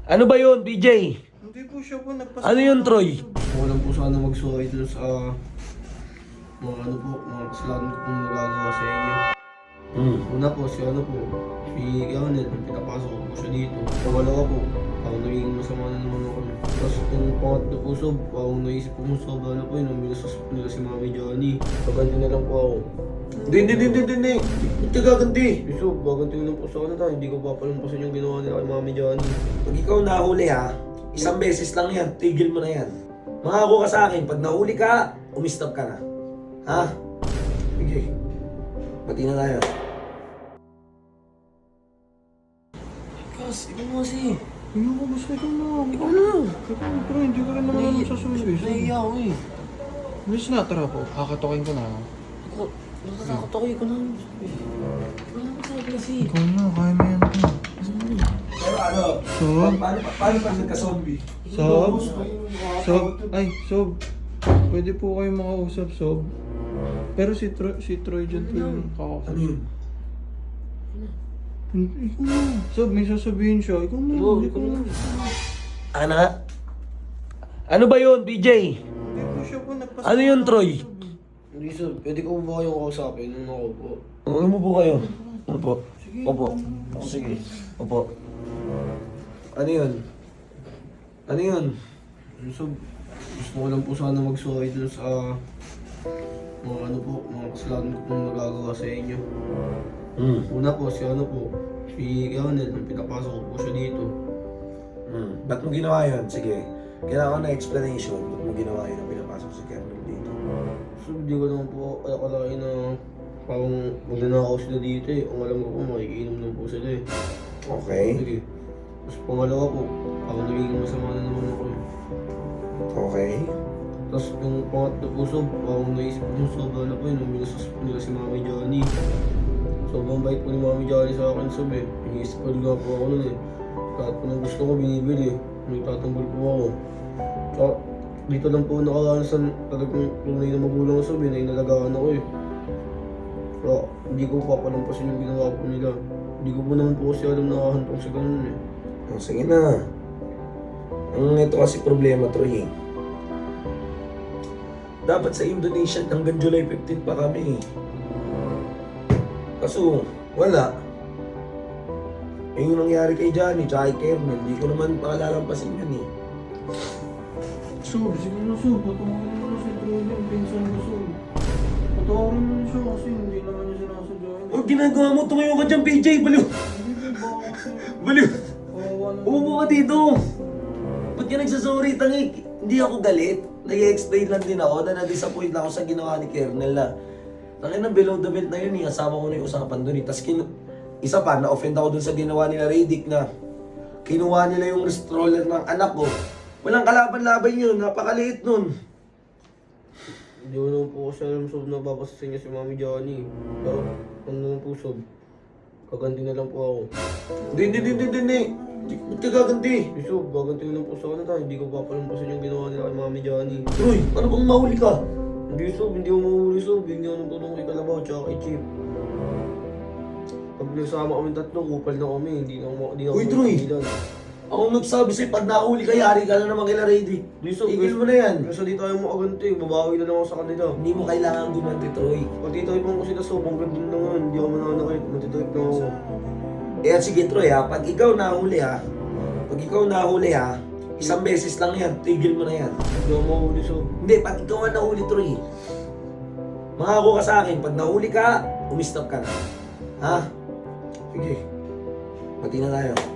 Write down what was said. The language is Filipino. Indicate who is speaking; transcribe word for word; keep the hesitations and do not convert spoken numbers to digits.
Speaker 1: Ano ba yun, B J?
Speaker 2: Hindi po siya po nagpasa.
Speaker 1: Ano yun, Troy?
Speaker 2: Ako lang po sana mag-sorry dun sa mga ano po, mga kasalanan ko pong nagagawa sa inyo.
Speaker 1: Hmm.
Speaker 2: Una po, si ano po, si Ronald, nung pinapasok ko po siya dito. Pangalawa po, parang naging masama na naman ako. Tapos yung pangatlo po, sob, parang naisip ko mo sobra na po yun, nung binasas po nila si Mami Johnny. Paganti na lang po ako.
Speaker 1: Hindi, hindi, hindi, hindi, hindi. Ba't ka gaganti?
Speaker 2: Eh, sob, gaganti na lang po sa kanila, hindi ko papalampasin yung ginawa nila kay Mami Johnny.
Speaker 1: Pag ikaw nahuli ha, isang beses lang yan, tigil mo na yan. Mangako ka sa akin, pag nahuli ka, umistop ka na. Ha? Sige. Pati na tayo. Kas, ikaw mo kasi.
Speaker 2: Hindi ko gusto ikaw na.
Speaker 1: Ikaw na.
Speaker 2: Ikaw, pero hindi ko rin naman alam sa suwi.
Speaker 1: Nahiya ako eh.
Speaker 2: Bilis na, tara po. Kakatokin ko na.
Speaker 1: Ako, natatakot ako eh. Ikaw na. Wala ko sa kasi.
Speaker 2: Ikaw na, kaya mo yan po.
Speaker 1: Pero ano?
Speaker 2: So?
Speaker 1: Paano paano pag nagka-zombie?
Speaker 2: Sob? Sob? Ay, Sob. Pwede po kayo makausap, Sob. Pero si Troy, si Troy dyan po yung kakausap.
Speaker 1: Ano yun?
Speaker 2: Hindi, ikaw na. Sob, may sasabihin siya. Ikaw na,
Speaker 1: Oo,
Speaker 2: hindi
Speaker 1: ikaw
Speaker 2: ko
Speaker 1: na.
Speaker 2: na.
Speaker 1: Ano nga? Ano ba yun, B J?
Speaker 2: Hindi po siya po nagpasa.
Speaker 1: Ano yun, Troy?
Speaker 2: Hindi, Sob. Pwede ko ba kayong kausapin? Nung ako po.
Speaker 1: Ano mo po kayo? Ano po? Opo. Sige. Opo. Ano yun? Ano yun?
Speaker 2: So, gusto ko lang po sana mag-sorry dun sa mga ano po, mga kasalanan ko pong nagagawa sa inyo.
Speaker 1: Hmm.
Speaker 2: Una po, si ano po, si Ronald, nung pinapasok ko po siya dito.
Speaker 1: Hmm. Ba't mo ginawa yun? Sige. Kailangan ko na explanation. Ba't mo ginawa yun ang pinapasok si Kernel dito?
Speaker 2: So, hindi ko naman po alakalain na parang magnanakaw sila dito eh. Ang alam ko po, makikiinom lang po sila eh.
Speaker 1: Okay.
Speaker 2: Sige. Tapos pangalawa po, parang nagiging masama na naman ako eh.
Speaker 1: Okay.
Speaker 2: Tapos yung pangatlo po, sob, parang naisip ko yung sobra na po yun, nung binasas po nila si Mami Johnny. Sobrang bait po ni Mami Johnny sa akin, sob eh. Pini-spoil nga po ako nun eh. Lahat po ng gusto ko binibili, nagtatanggol po ako. Tsaka dito lang po nakaranasan talagang tunay na magulang sob eh, na inalagaan ako eh. Kaya hindi ko papalampasin yung ginawa po nila. Hindi ko po naman po kasi alam na hahantong sa ganun eh.
Speaker 1: Oh, sige na. Ang ito kasi problema, Troy. Dapat sa Indonesia hanggang July fifteenth pa kami. Kaso, wala. Eh yung nangyari kay Johnny, tsaka kay Kernel, hindi ko naman pakalalampasin yun eh.
Speaker 2: Sob, sige na sob, patawarin mo na si Troy yung pinsan ko sob. Patawarin mo na siya kasi hindi naman niya sinasadya yun.
Speaker 1: Oh, ginagawa mo, tumayo ka dyan, P J, baliw!
Speaker 2: Hindi ba ako kasi
Speaker 1: Baliw!
Speaker 2: kawawa na.
Speaker 1: Umupo ka dito! Ba't ka nagsasorry, tangi? Hindi ako galit. Nag-explain lang din ako na na-disappoint lang ako sa ginawa ni Kernel na tangin na below the belt na yun eh. Kasama ko na yung usapan dun eh. Tapos kin- isa pa, na-offend ako dun sa ginawa nila Radic na kinuha nila yung stroller ng anak ko. Walang kalaban-laban yun. Napakaliit nun.
Speaker 2: Hindi ko naman po kasi alam sob na babasasin niya si Mami Johnny. Pero ano naman po sob, kaganti na lang po ako.
Speaker 1: Hindi, hindi, hindi, hindi, hindi. Ba't ka gaganti?
Speaker 2: Eh sob, gaganti na lang po sa kanila, hindi ko papalampasin yung ginawa nila kay Mami Johnny.
Speaker 1: Troy, ano bang mahuli ka?
Speaker 2: Hindi sob, hindi ko mahuli sob, hindi ako nang tulong kay Kalabaw tsaka kay Chip. Pag nagsama kami tatlo, kupal na kami, hindi na ako hindi na ako
Speaker 1: Uy, Troy!
Speaker 2: mapigilan.
Speaker 1: Ako nagsabi sa'yo, pag nahuli ka, yari ka na naman kila Radic.
Speaker 2: Hindi sob,
Speaker 1: Tigil mo na yan.
Speaker 2: Kasi di tayo makaganti, babawi na lang ako sa kanila.
Speaker 1: Hindi mo kailangan gumanti, Troy.
Speaker 2: Pag titaypan ko sila sob, ang ganda na nga, hindi ako mananakit, matitayp na ako.
Speaker 1: Eh sige Troy ha, pag ikaw nahuli ha, pag ikaw nahuli ha, isang beses lang yan, tigil mo na yan.
Speaker 2: Hindi ako mahuli sob.
Speaker 1: Hindi, pag ikaw ang nahuli Troy, mangako ka sa akin, pag nahuli ka, umistop ka na. Ha? Sige, pati na tayo.